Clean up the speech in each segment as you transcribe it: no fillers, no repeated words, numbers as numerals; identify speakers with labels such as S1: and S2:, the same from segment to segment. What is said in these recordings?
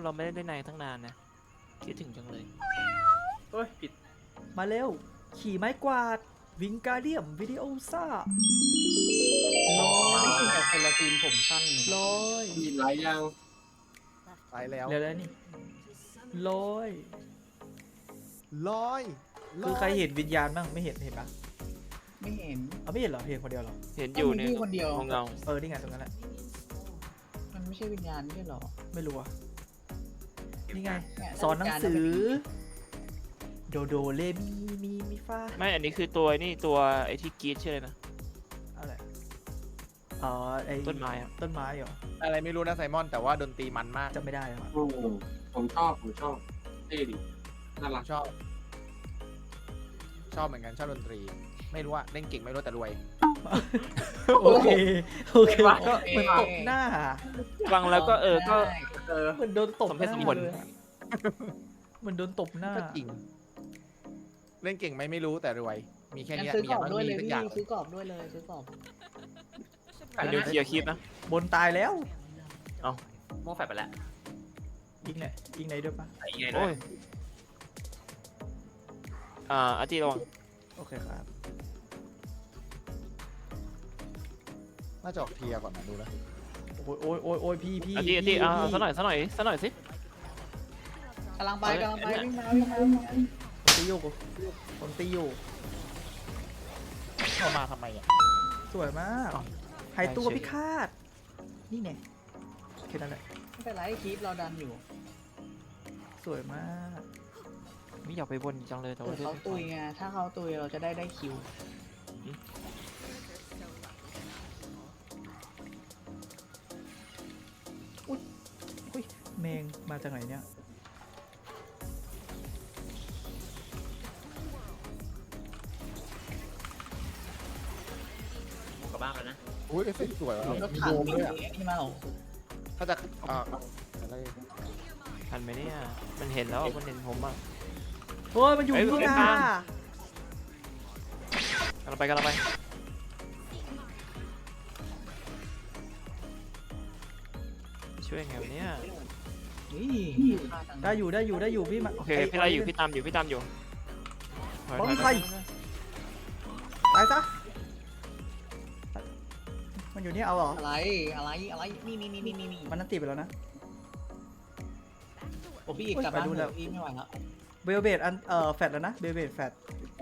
S1: เราไม่ได้เล่นนายตั้งนานนะคิดถึงจังเลย
S2: โอ้ยผิด
S3: มาเร็ว ขี่ไม้กวาด วิงการเดียมวิดีโอซ่าลอ
S4: ไม่
S3: ย
S4: ใช่แต่คนละทีมผมสั้น
S3: ลอย
S5: มีไลฟ์ยัง
S2: ไปแล้ว
S3: เร็วแล้วนี่ลอย
S2: ลอย
S3: คือใครเห็นวิญญาณบ้างไม่เห็นปะ
S4: ไม่เห็น
S3: เอาไม่เห็นเหรอเห็นคนเดียวเหรอ
S1: เห็นอยู่ใน
S4: มีพี่คนเดียว
S1: เงา
S3: นี่ไงตรงนั้นแหละ
S4: มันไม่ใช่วิญญาณไม่ใช่หรอ
S3: ไม่รู้อะนี่ไง
S4: เนี่ย
S3: สอนหนังสือ โดโดเลมีฟ้า
S1: ไม่อันนี้คือตัวนี่ตัวไอ้ที่กรีดชื่ออะไรนะ
S3: อะไรอ๋อไอ้
S1: ต้นไม้อะ
S3: ต้นไม้เหรอ
S2: อะไรไม่รู้นะไซมอนแต่ว่าดนตรีมันมาก
S3: จำไม่ได้แล้วอะ
S5: โอ้ผมชอบเท่ดิน่ารัก
S2: ชอบเหมือนกันชอบดนตรี ไม่รู้ว่าเล่นเก่งไม่รู้แต่รวย
S3: โอเคก็เหมือนตบหน้า
S1: ฟังแล้วก็ก็
S3: เหมือนโดนตบ
S1: สมเหตุสมผล
S3: เลยอะเหมือนโดนตบหน้า
S2: ก็จริง เล่นเก่งไหมไม่รู้แต่รวย มีแค่
S4: งั้น
S2: เนี้ย
S4: ซื้อ
S2: มี
S4: ก
S2: อ
S4: รอบ
S2: ย่าง
S4: ด้วยเลย
S2: มีทุก
S4: พี่
S2: อย่าง
S4: ซื้อกรอบด้วยเลยซื้อกรอบ
S1: เดี๋ยวเคลียร์คลิปนะ
S3: บนตายแล้ว
S6: โม่แฟดไปแล้ว
S3: ยิงไหนยิงไหนด้วยปะ
S6: ไอ้ยังไงด้
S1: โอ้
S6: วย
S1: ยอาร์ตี้ระวัง
S3: โอเคครับ
S2: น่าจะออกเทียร์ก่อนนะดูนะ
S3: โอ้ยพี่
S1: อาร์ตี้ซะหน่อยสิ
S4: กำลังไป
S1: เอา
S4: กำลังไป
S1: เนี่ย
S4: วิ่งมา
S3: ผมตีอยู่ผมตีอยู่
S2: เข้ามาทำไมอ่ะ
S3: สวยมากหายตัวพิฆาตนี่ไงแค่นั้นแหละ
S4: ไม่เป็นไรคลิปเราดันอยู่
S3: สวยมาก
S1: ไม่อยากไปบนจังเลยแต่
S4: เกิ
S1: ว่า
S4: ดเขาตุยไงถ้าเขาตุยเราจะได้คิว
S3: อุ้ยแมงมาจากไหนเนี่ย
S6: โม่กลับบ้านแล้วนะ
S2: อุ้ยเอฟเฟกต์สวยว่ะ
S4: รถ
S2: มี
S4: ถัง
S2: โดมด้วยอ่ะ
S4: นี่มาเหรอ
S2: ถ้าจะอะไร
S1: ทันไหมเนี่ยมันเห็นแล้วมันเห็นผมอ่ะ
S3: โอ้ยมันอยู่
S1: เอ้ย
S3: ข้างห
S1: เอ้
S3: น้าย
S1: กำลังไปช่วยไงวะเนี่ย
S4: นี่
S3: ได้อยู่พี่มา
S1: โอเคพี่ไล่อยู่พี่ตามอยู่ถอย
S3: ใครตายซะมันอยู่นี่เอาเหรอ
S4: อะไรนี่
S3: มันนั่นตีไปแล้วนะ
S4: โอ้พี่อีกกลับบ้าน
S3: ไปดูแล้ว
S4: พี่ไม่ไหวแล้ว
S3: เบลเบดอันแฟดแล้วนะเบลเบดแฟด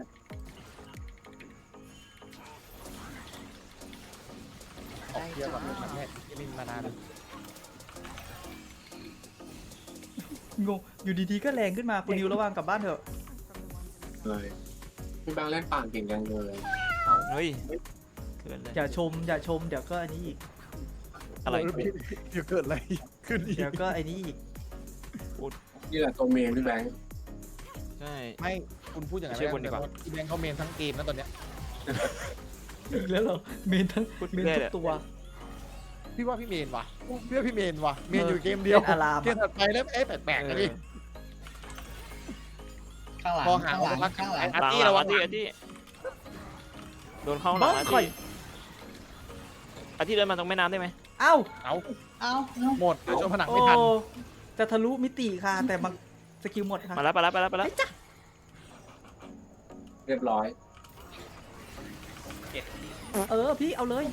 S2: ออกเทียร์ก่อนเลยมันแม่ยังไม่มีมานานเลย
S3: งงอยู่ดีๆก็แรงขึ้นมาคุณนิวระวังกลับบ้านเถอะ
S5: เลยพี่แบงค์เล่นป่านเก่งยังเลย
S1: เฮ้ยเกินเลย
S3: อย่าชมเดี๋ยวก็อันนี้อีก
S1: อะไร
S2: เดี๋ยวเกิดอะไรขึ้นอีก
S3: เดี๋ยวก็อันนี้อีก
S5: นี่แหละตัวเมนพี่แบงค์
S1: ใช่
S2: ไม่คุณพูดอย่างนั้น
S1: ช่วยบนดีกว่า
S2: พี่แบงค์เขาเมนทั้งเกมนะตอนเนี้ย
S3: อีกแล้วเหรอเมนทั้ง
S1: พูด
S3: เมน
S1: ได้
S3: ทุ
S1: แหละ
S3: กตัว
S2: พี่ว่าพี่เมนว่ะเมนอยู่เกมเดียว
S3: เล่นอาราม
S2: เกมถัดไปแล้วแปลกๆนะดิ
S4: ข้างหลัง
S2: พอหา
S4: ข้างหลัง
S2: ว่า
S4: ข้างหลัง
S2: อาร์ตี้
S1: หลัง
S2: ระวัง
S1: อาร์ตี้โดนเข้าหลังอาร์ตี้เดินมาตรงแม่น้ำได้ไหม
S3: เอ้า
S2: เอา
S4: เอ้า
S2: หมดเดี๋ยวชนผนัง
S3: โอ้
S2: ไม่ทัน
S3: จะทะลุมิติค่ะ แต่มันสกิลหมดค่ะ
S1: มาแล้ว
S5: เรียบร้อย
S3: พี่เอาเลย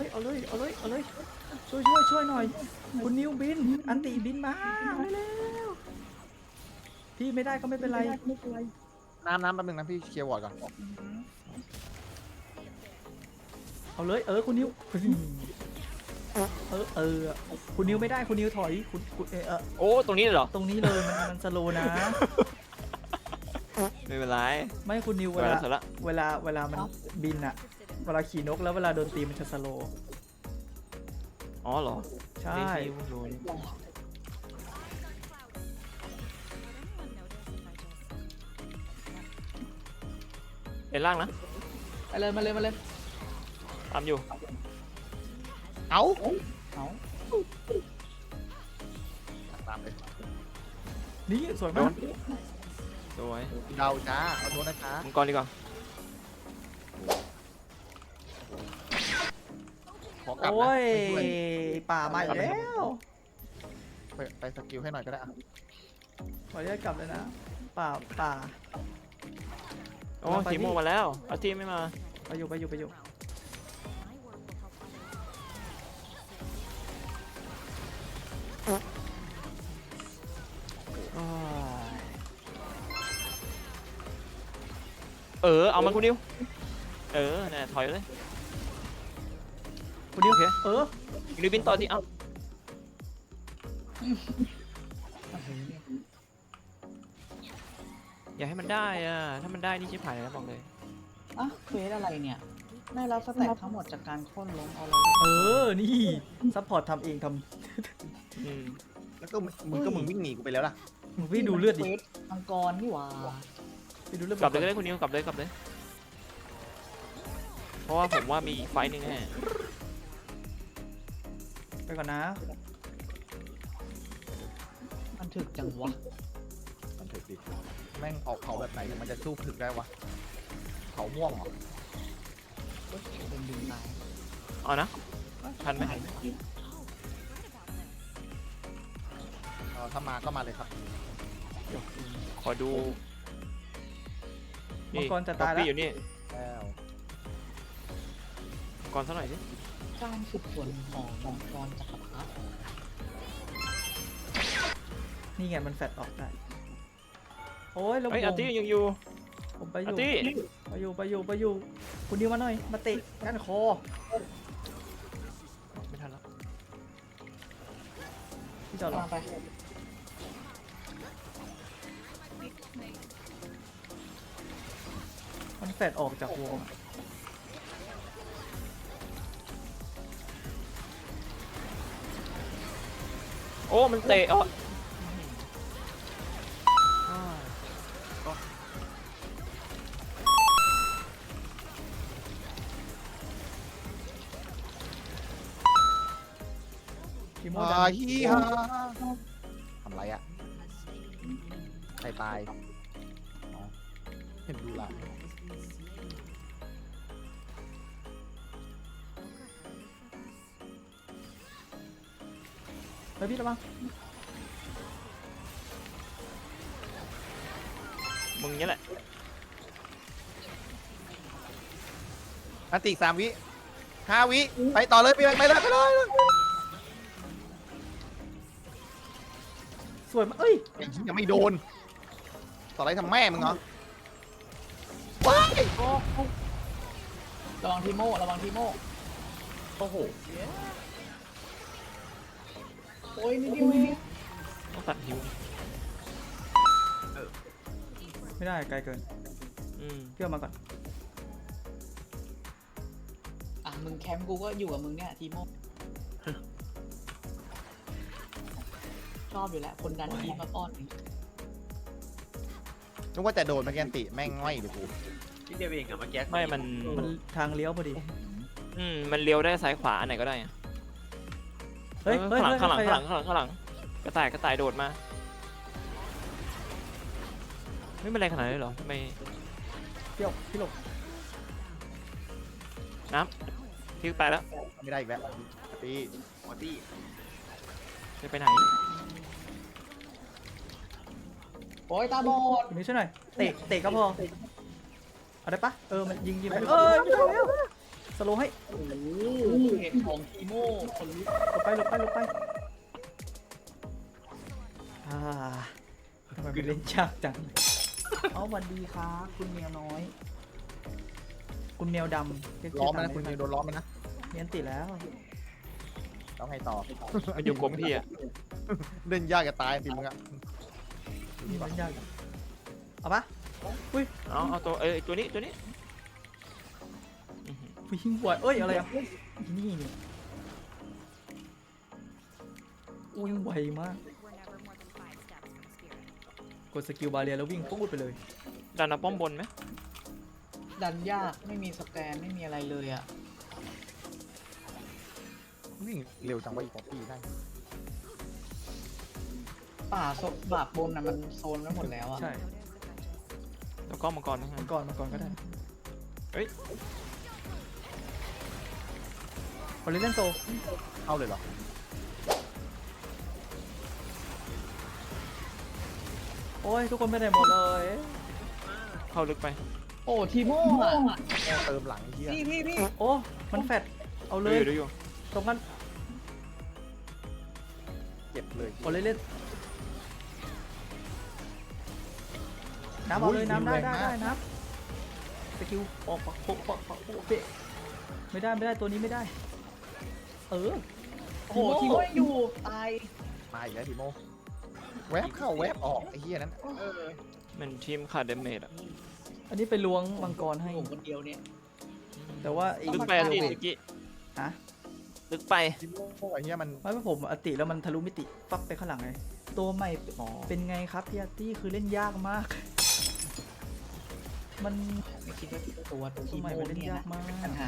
S3: ช่วยหน่อย คุณนิวบิน อันติบินมาเร็วๆพี่ไม่ได้ก็ไม่เป็นไร
S2: น้ำแป๊บนึงนะพี่เคลียร์วอร์ดก่อน
S3: เอาเลยคุณนิวคุณนิวไม่ได้คุณนิวถอยคุณ
S1: โอ้ตรงนี้เลยเหรอ
S3: ตรงนี้เลยมันสโลนะ
S1: ไม่เป็นไร
S3: ไม่คุณนิวเว
S1: เว
S3: ลา
S1: ลาเสร็จละ
S3: เวลามันบินอะเวลาขี่นกแล้วเวลาโดนตีมันจะสโล
S1: อ๋อเหรอ
S3: ใช่
S1: เป็นล่างนะ
S4: ไปเลยมาเลย
S1: ตามอยู่
S2: เอา
S4: เอา
S2: ตามเลย
S3: นี่สวยมาก
S1: สวย
S2: เดาจ้าขอโทษนะคะ
S1: มังกรดีกว่า
S2: ขอกลับนะ
S3: โอ้ย
S2: ไม่ช่วย
S3: ป่ามาอีกแล้ว
S2: ไปสกิลให้หน่อยก็ได้อะ
S3: ขออนุญาตกลับเลยนะป่าป่า
S1: โอ้ทีโมมาแล้วเอาทีไม่มา
S3: ไปอยู่ไปอยู่ไปอยู่
S1: เอามาคุณนิวเนี่ยถอยเลย
S3: คุณนิว
S1: โอเค
S3: เ
S1: นิวบินต่อที่เอ้าอย่าให้มันได้อะถ้ามันได้นี่ชิบหายแล้วบอกเลย
S4: อ่ะเควสอะไรเนี่ยได้รับสแต็กทั้งหมดจากการโค่นล้มเอาเลย
S3: นี่ซัพพอร์ตทำเองท
S1: อืม
S2: แล้วก็มึงวิ่งหนีกูไปแล้วล่ะ
S3: ำมึงพี่ดูเลือดดิ
S4: ควสมังกรนี่หว่า
S3: พี่ดูเลือด
S1: กลับเลยก็ได้คุณนิวกลับเลยเพราะว่าผมว่ามีอีกไฟต์หนึงแน่
S3: ไปก่อนนะ
S4: มันถึกจังวะ
S2: มันถึกดิแม่งออกเผาแบบไหนถึงมันจะสู้ถึกได้วะเผาม่วงเหรอ
S4: เป็นดึงตาย
S1: เอานะทันไหม
S2: ถ้ามาก็มาเลยครับ
S1: ขอดู
S3: มังกรจะตายแล้ว
S1: อยู่นี่
S2: แล้ว
S1: มังกรสักหน่อยสิ
S4: การฝึกฝนของมังกรจักรพรรดิ
S3: นี่ไงมันแฟดออกได้โอ้ยแล้ว
S1: เฮ้ยอาร์ตี้ยังอยู่
S3: ผมไปอ
S1: อา
S3: ยู่
S1: ร์ตี้
S3: ไปอยู่คุณนิวมาหน่อยมาเตะก้านคอ
S1: ไม่ทันแล้ว
S3: พี่จอดรอ
S4: มาไป
S3: มันแฟดออกจากวงอะ
S1: โอ้มันเตะอ๋อ
S3: ทีโม
S2: มา
S3: ดัน
S2: ฮีฮาทำไรอะใครตายอ๋อเห็นดูละ
S3: เฮ้ยพี่ระวัง
S1: มึงนี่แหละ
S2: อันติ3 วิ5 วิไปต่อเลยไปเลย
S3: สวยมากเอ้ย
S2: ยังไม่โดน ต่ออะไรทำแม่มึงเหรอว้าย
S4: ระวังทีโม่ระวังทีโม่โอ้โหโอ้ยนิดเดียวเอง
S1: ต้องตัดหิว
S3: ไม่ได้ไกลเกิน
S1: อืม
S3: เพื่อมาก่อน
S4: อ่ะมึงแคมป์กูก็อยู่กับมึงเนี่ยทีโม่ชอบอยู่แหละคนดันทีมมาป้อนนี่
S2: นึกว่าจะโดนเมื่อกี้อันติแม่งง่อยเลยกู
S6: ที่เดียวเองอะเมื่อกี้
S1: ไม่มัน
S3: มันทางเลี้ยวพอดี
S1: มันเลี้ยวได้ซ้ายขวาอันไหนก็ได้อะ
S3: เฮ้ย
S1: ออ
S3: เฮ้ย
S1: ข้างหลัง
S3: เฮ้ย
S1: ข้างหลังข้างหลังข้างหลังกระต่ายโดดมาไม่เป็นไรขนาดนี้นเลยเหรอทำไม
S3: พี่หลบ
S1: พี่ตายแล้ว
S2: ไม่ได้อีกแล้วตี
S6: มอตี้
S1: จะไปไหน
S4: โอ้ยตาบอด
S3: คุณนิวช่วยหน่อยเตะก็พอเอาได้ปะมันยิงไปไม่ได้แล้วสโลว์ให้
S4: โอ้โหเหตุของทีโม่คนลุก
S3: หลบไปทำไมมันเล่นยากจัง
S4: เอาสวัสดีครับคุณเมียน้อย
S3: คุณแมวดำเรียก
S2: ล้อม
S3: ชื่
S2: มันนะคุณนิวโดนล้อมมันนะ
S3: เนียนติดแล้ว
S2: ต้องให้ต่อ
S1: มันอยู่กลมพี่อะ
S2: เล่นยากจะตายจริงมึงอะ
S3: เล่นยากอยู่เอาปะ
S1: เอาตัวนี้อื้อหือ
S3: วิ่งไหวเอ้ยอะไรอ่ะนี่วิ่งไวมากกดสกิลบาเรียแล้ววิ่งปุ๊บไปเลย
S1: ดันเอาป้อมบนไหม
S4: ดันยากไม่มีสแกนไม่มีอะไรเลยอ่ะ
S2: วิ่งเร็วจังวะอีป๊อปปี้ได้
S4: ป่าโซบาบบนน่ะมันโซนไว้หมดแล้วอ่ะ
S3: ใช่
S1: แล้วก็มังกรนะฮะ
S3: มังกรก็ได้
S1: เฮ้ย
S3: พอเล่นโซ
S2: เข้าเลยเหรอ
S3: โอ้ยทุกคนไปไหนหมดเลย
S1: เข้าลึกไป
S4: โอ้ทีโม่อะ
S2: แม่เติมหลังไอ้เหี้ย
S4: พี่
S3: โอ้มันแฟดเอาเลย
S1: ดูอยู่
S3: ตรงนั้น
S2: เจ็บเลย
S3: เอาเลยเล่นน้ำเอาเลยน้ำได้น้ำสกิลปอกเปะไม่ได้ตัวนี้ไม่ได้เออ
S4: โอ้โหทีโม่ยังอยู่ตาย
S2: มาอีกแล้วทีโมแวบเข้าแวบออกไอ้เหี้ยนั้น
S1: มันทีมขาดเดเมจอะ
S3: อันนี้ไปล้วงมังกรให้
S4: ผมคนเดียวเนี่ย
S3: แต่ว่าอีก
S1: ลึกไปอะติตะกี้
S3: ฮะ
S1: ลึกไป
S2: ทีโมไอ้เหี้ยมัน
S3: ไม่ผมอติแล้วมันทะลุมิติฟักไปข้างหลังไงตัวใหม่เป็นไงครับพี่อาร์ตี้คือเล่นยากมาก มัน
S4: ไม่คิดว่าตัว
S3: ตัว
S4: ที
S3: ใหม่
S4: โม่
S3: มันเล่น
S4: เนี่ย
S3: ยาก
S4: นะ
S3: มาก
S4: ปัญหา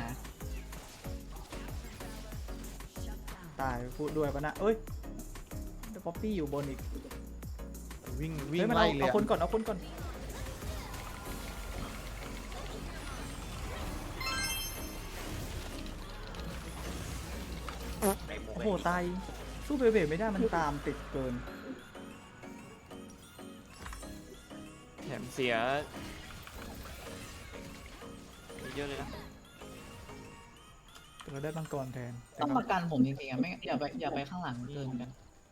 S3: ตายพูดด้วยปะนะเอ้ยแต่ป๊อปปี้อยู่บนอีก
S2: วิ่ง
S3: เฮ้ยมัน
S2: ไล่
S3: เอา
S2: เลย
S3: เอา
S2: อะ
S3: คนก่อนเอาคนก่อนโอ้โหตายสู้เบเบไม่ได้มันตามติดเกิน
S1: แถมเสียเยอะเลยนะ
S3: แต่เราได้มังกรแทน
S4: ต้องมากันผมจริงๆอะไม่อย่าไปข้างหลังเกินกัน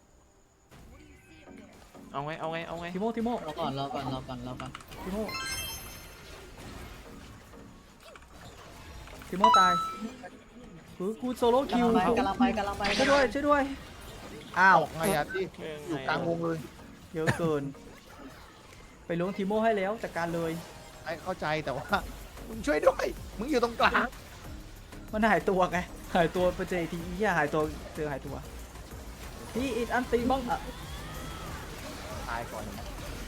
S1: เอาไง
S3: ทิโม
S4: รอก่อน
S3: ทิโมตายคือกูโซโล่คิว
S4: กำลังไป
S3: ช่วยด้วยอ้าว
S2: ออกไงอะที่อยู่กลางวงเลย
S3: เยอะเกิน ไปล้วงทิโมให้แล้วจัดการเลย
S2: ไอ้เข้าใจแต่ว่ามึงช่วยด้วยมึงอยู่ตรงกลาง
S3: มันหายตัวไงหายตัวไปเจออีกทีอีหายตัวเจอหายตัวพี่อีกอันตีบ้องอะ
S2: ตายก่อนนะ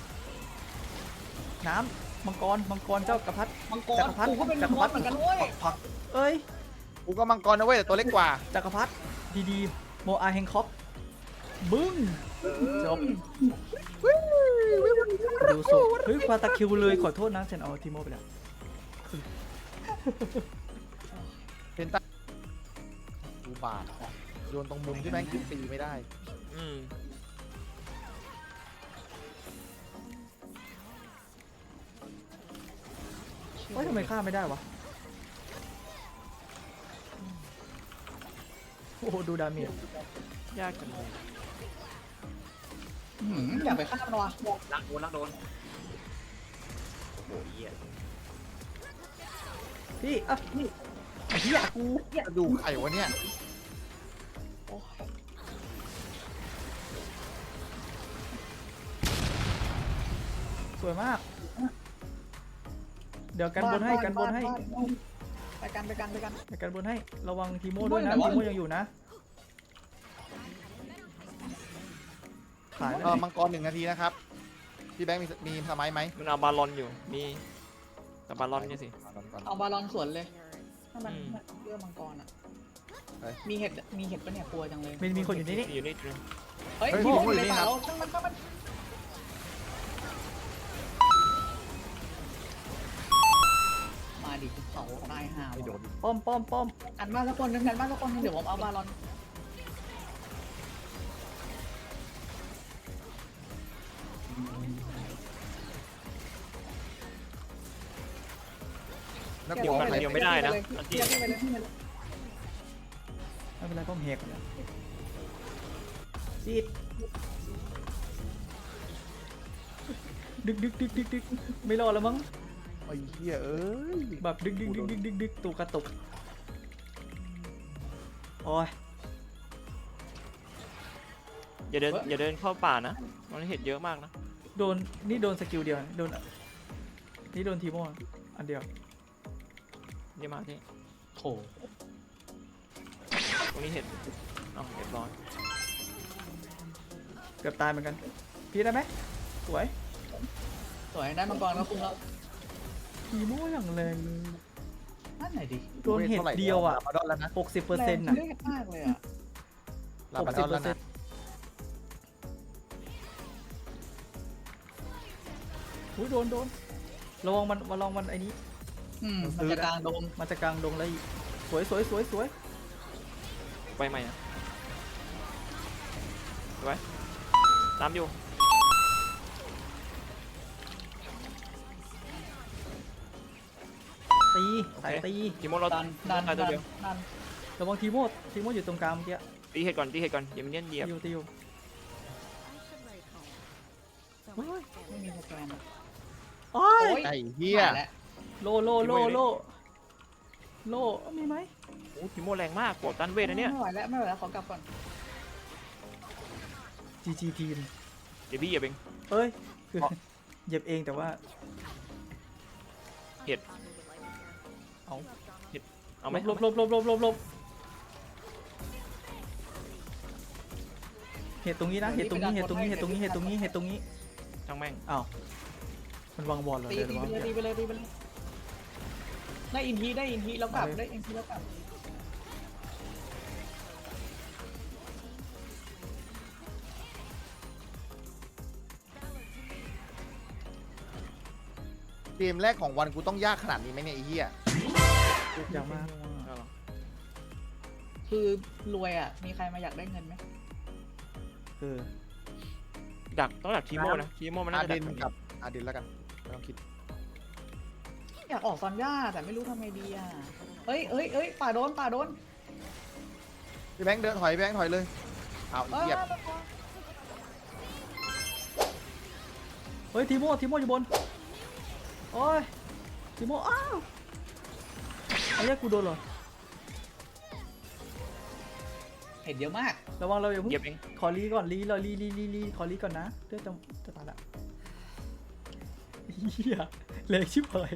S3: น้ำมังกรเจ้ากระพัด
S4: มังกรกูก็เป็นมังกรเหมือนกันเว้ย
S3: ผักเอ้ย
S2: กูก็มังกรนะเว้ยแต่ตัวเล็กกว่า
S3: จักรพรรดิดีๆโมอาเฮงคอปบึ้งจบดูสุดเฮ้ยควาตาคิวเลยขอโทษนะฉันเอาทีโมไปแล้ว
S2: เป็นตาดูบาดโยนตรงมุมที่แม่งขึ้นตีไม่ได้
S1: อืม
S3: เฮ้ยทำไมฆ่าไม่ได้วะโอ้โหดูดาเมจ
S1: ยากจังเลย
S4: อย่าไปข้ามมันวะ
S6: ลักโดนโอ้ยเหี้ย
S3: พี่อ่ะนี่ไอ้เหี้ยกู
S2: กระดูกไข่วะเนี่ย
S3: สวยมาก เดี๋ยวกันบนให้กันบนให้
S4: ไปกัน
S3: เดี๋ยวกันบนให้ระวังทีโม่ด้วยนะ
S4: ทีโม่
S3: ที
S4: ไหนวะ
S3: โม่ยังอยู่นะขายแล้ว
S2: มังกร1 นาทีนะครับพี่แบงค์มีสมัยไหม
S1: มันเอาบาลอนอยู่มีแต่บาลอนเนี่ยสิ
S4: เอาบาลอนสวนเลยถ้ามัน
S1: อืม
S4: เรื่องมังกรอ่ะ
S2: เฮ้ย
S4: มีเห็ดปะเนี่ยกลัวจังเลย
S3: มีคนอยู่นี่นี่
S1: อยู่นี่นึง
S4: เฮ้ย
S2: เฮ้ย
S4: ทีโม่
S2: ผม
S4: อยู่ใน
S2: อยู่นี่
S4: ป่า
S2: ครับ
S4: เราช่างมันมาดิเขาตายห่า
S2: ไม่โดน
S3: ป้อม
S4: อันบ้านสักคนนึงเดี๋ยวผมเอาบาลอน
S2: แล้ว
S1: เดี๋ยว
S2: กู
S1: กันเดียวไม่ได้นะอันที่
S3: ไม่เป็นไรป้อมเฮกแล้วจีดดึกไม่รอดแล้วมั้ง
S2: ไอ้เหี้ยเอ้ย
S3: แบบดึกตัวกระตุกโอ้ย
S1: อย่าเดินเข้าป่านะมันเห็ดเยอะมากนะ
S3: โดนสกิลเดียวโดนนี่โดนทีโม่อันเดียว
S1: เดี๋ยวมาที่
S4: โถ
S1: ตรงนี้เห็ดเอาเรียบร้อย
S3: เกือบตายเหมือนกันพี่ได้ไหมสวย
S4: สวยได้มังกรแล้วคุณแล้ว
S3: ทีโม่อย่างแรงเลย
S4: นั่นไหนดิ
S3: โดนเห็ดเดียวอ่ะ
S2: ลาบาดอนแล้วนะ
S3: 60%น่ะ
S4: เลือดมากเลยอ่ะ
S2: ลาบาดอนแล้วนะ
S3: อุ้ยโดนระวังมันไอ้นี้
S4: มันจะกลางโดม
S3: มันจะกลางดงแล้วอีกสวย
S1: ไปใหม่นะไว้ตามอยู่
S3: สายตี
S1: ทีโมเรา
S4: ดันดัน
S1: ตาย
S4: ดั
S1: ตัวน เดียว
S4: ดัน
S3: ระวังทีโมอยู่ตรงกลางเมื่อกี้
S1: ตีเห็ดก่อนตีเห็ดก่อนอย่ามันเนียนเหยียบ
S3: ตีอยู่
S4: ไม่มีสแกนอะ
S3: โอ้ย
S4: โอ้ย
S2: ไอ้เหี้ย
S4: ตาแล้ว
S3: โลมีไหม
S1: โอ้ทีโมแรงมากกดตันเวทนะเนี่ย
S4: ไม่ไหวแล้วไม่ไหวแล้วขอกลับก่อน
S3: GG ทีม
S1: เดี๋ยวพี่เหยียบเอง
S3: เอ้ยคือเหยียบเองแต่ว่า
S1: เอาไหม
S3: หลบเหตุตรงนี้นะเหตุตรงนี้
S1: ช่างแม่ง
S3: อ้าวมันวางบอลเหรอ
S4: ตี
S3: เดี๋ยว
S4: ไปเลยตีไปเลยได้อินทีแล้วกลับได้อินทีแล้วกลับ
S2: เกมแรกของวันกูต้องยากขนาดนี้ไหมเนี่ยไอ้เหี้ย
S3: อย่างมาก
S1: เอาเหรอ
S4: คือรวยอ่ะมีใครมาอยากได้เงินไหม
S1: ดักต้องดักทีโมนะทีโมมัน
S2: อา
S1: น่าจะ
S2: เด
S1: ดัก
S2: นกับอาเดนแล้วกันไม่ต้องคิด
S4: อยากออกซอนย่าแต่ไม่รู้ทำไงดีอ่ะเอ้ยป่าโดน
S2: พี่แบงค์เดินถอยพี่แบงค์ถอยเลยเอาไอ้เหี้ย
S3: เฮ้ยทีโมอยู่บนโอ้ยทีโมอ้าวไอ้เหี้ยกูโดนเหรอ
S4: เห็นเยอะมาก
S3: ระวังเราอย่าเพิ่ง
S1: เหยียบเอง
S3: ขอรีก่อนรีขอรีก่อนนะเดี๋ยวจะตายละเฮียเล็กชิบหาย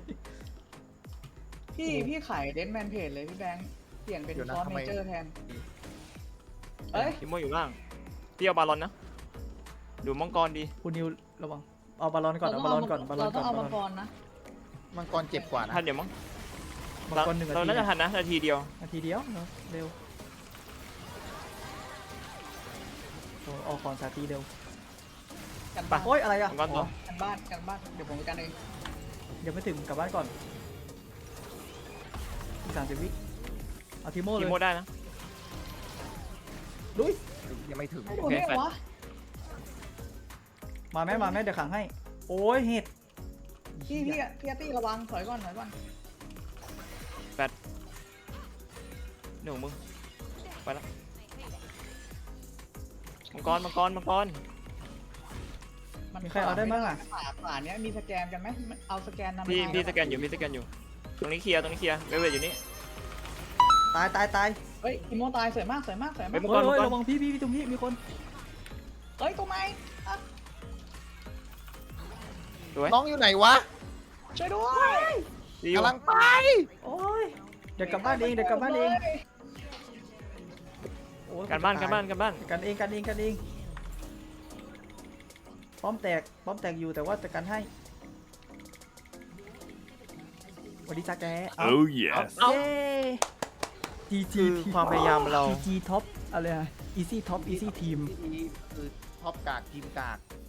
S4: พี่ขายเดนแมนเพจเลยพี่แบงค์เปลี่ยนเป็นซอนเมเจอร์แทนเอ้ย
S1: ทีโมอยู่ล่างพี่เอาบาลอนนะดูมังกรดี
S3: คุณนิวระวังเอาบอลลอนก่อนเอาบอลลอนก่อน
S4: เราต้องเอามังกรนะ
S2: มังกรเจ็บกว่านะ
S1: ทันเดี๋ยวมั้ง
S3: มังกร1 นา
S1: เรา
S3: ที
S1: น่าจะทันนะนาทีเดียว
S3: นาทีเดียวเนอะเร็วโอ้ออกก่อนนาทีเร็ว
S4: กันบ้าน
S3: โอ้ยอะไรอะ
S1: มังกรตัว
S4: กันบ้านเดี๋ยวผมไปกันเอง
S3: ยังไม่ถึงกลับบ้านก่อนอีก30 วิเอาทีโมเล
S1: ที
S3: ย
S1: โมได้นะ
S3: ลุย
S2: ยังไม่ถึง
S4: ไม่โดนได้ไงวะ
S3: มาแม่เดี๋ยวขังให้โอ้ยเห็ด
S4: พี่อาร์ตี้ระวังถอยก่อน
S1: หนึ่งมึงไปแล้วมังกร
S3: มีใครเอาได้มั้งอ่ะ
S4: ป่าเนี้ยมีสแกนกันไหมเอาสแกนนำ
S1: พี่สแกนอยู่ตรงนี้เคลียร์เวทอยู่นี่
S3: ตาย
S4: เฮ้ยอิโมตายสวยมาก
S1: เฮ้ยมัง
S3: เฮ้
S1: กร
S3: ยระวังพี่ตรงนี้มีคน
S4: เฮ้ยตัวไม้
S1: สวย
S2: น้องอยู่ไหนวะ
S4: ช่วยด้วย
S1: ดีอยู่
S2: กำลังไป
S3: โอ้ยเดี๋ยวกลับบ้านเองโอ้ย
S1: การบ้าน
S3: กันเองป้อมแตกอยู่แต่ว่าจะกันให้สวัสดีจ้าแก
S7: Oh yes.
S3: เย้ GG
S1: คือความพยายามเรา
S3: GG ท็อปอะไรอะ Easy Top Easy Team
S2: คือท็อปกากทีมกาก